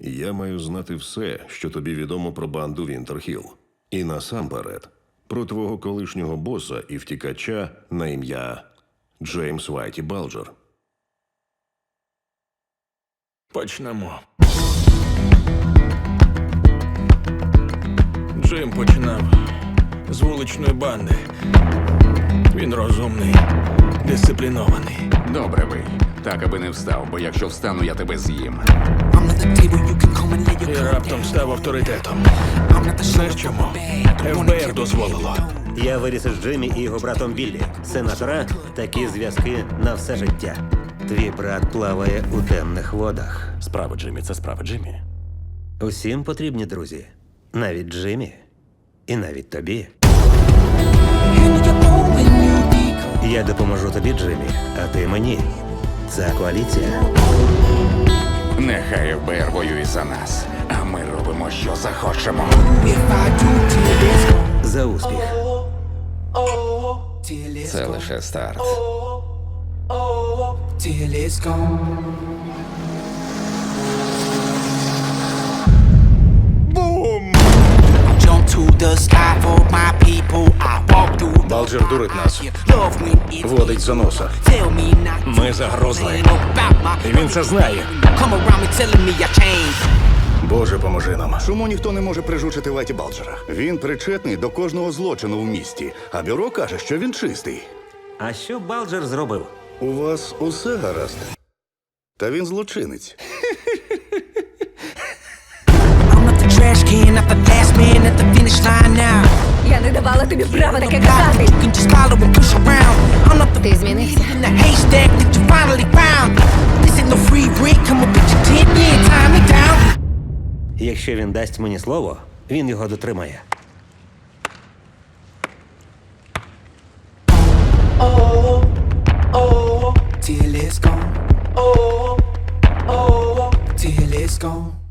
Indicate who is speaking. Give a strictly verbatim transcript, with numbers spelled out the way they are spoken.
Speaker 1: Я маю знати все, що тобі відомо про банду Вінтерхіл. І насамперед, про твого колишнього боса і втікача на ім'я Джеймс Вайті Балджер.
Speaker 2: Почнемо. Джим починав з вуличної банди. Він розумний, дисциплінований.
Speaker 3: Добре ви. Так, аби не встав, бо якщо встану, я тебе з'їм.
Speaker 2: І раптом став авторитетом. Знаєш чому? еф бе ер дозволило.
Speaker 4: Я виріс із Джиммі і його братом Біллі. Сенатора – такі зв'язки на все життя. Твій брат плаває у темних водах.
Speaker 5: Справа, Джиммі, це справа, Джиммі.
Speaker 4: Усім потрібні друзі. Навіть Джиммі. І навіть тобі. Я допоможу тобі, Джиммі, а ти мені. Це коаліція.
Speaker 3: Нехай еф бе ер воює за нас, а ми робимо, що захочемо.
Speaker 4: За успіх.
Speaker 3: Це лише старт.
Speaker 6: Till it's gone. I jump to the sky for my people. I walk through the
Speaker 2: Балджер дурить нас.
Speaker 6: love when it's
Speaker 2: Водить за носа.
Speaker 6: tell me not to
Speaker 2: Ми загрозли.
Speaker 6: complain about my
Speaker 2: І він це знає.
Speaker 6: come around me telling me I changed.
Speaker 2: Боже, поможи нам.
Speaker 7: Чому ніхто не може прижучити Вайті Балджера? Він причетний до кожного злочину в місті, а бюро каже, що він чистий.
Speaker 4: А що Балджер зробив?
Speaker 7: У вас усе гаразд. Та він злочинець.
Speaker 6: I'm not the trash can, not the last man at the finish line now.
Speaker 8: Я не давала тобі права таке
Speaker 6: You
Speaker 8: казати.
Speaker 6: can just follow and push around. I'm not the
Speaker 8: Ти змінився.
Speaker 6: in the haystack that you finally found. This ain't no free break, come up with your ten year time me down.
Speaker 4: Якщо він дасть мені слово, він його дотримає.
Speaker 6: Till it's gone. Oh, oh, till it's gone.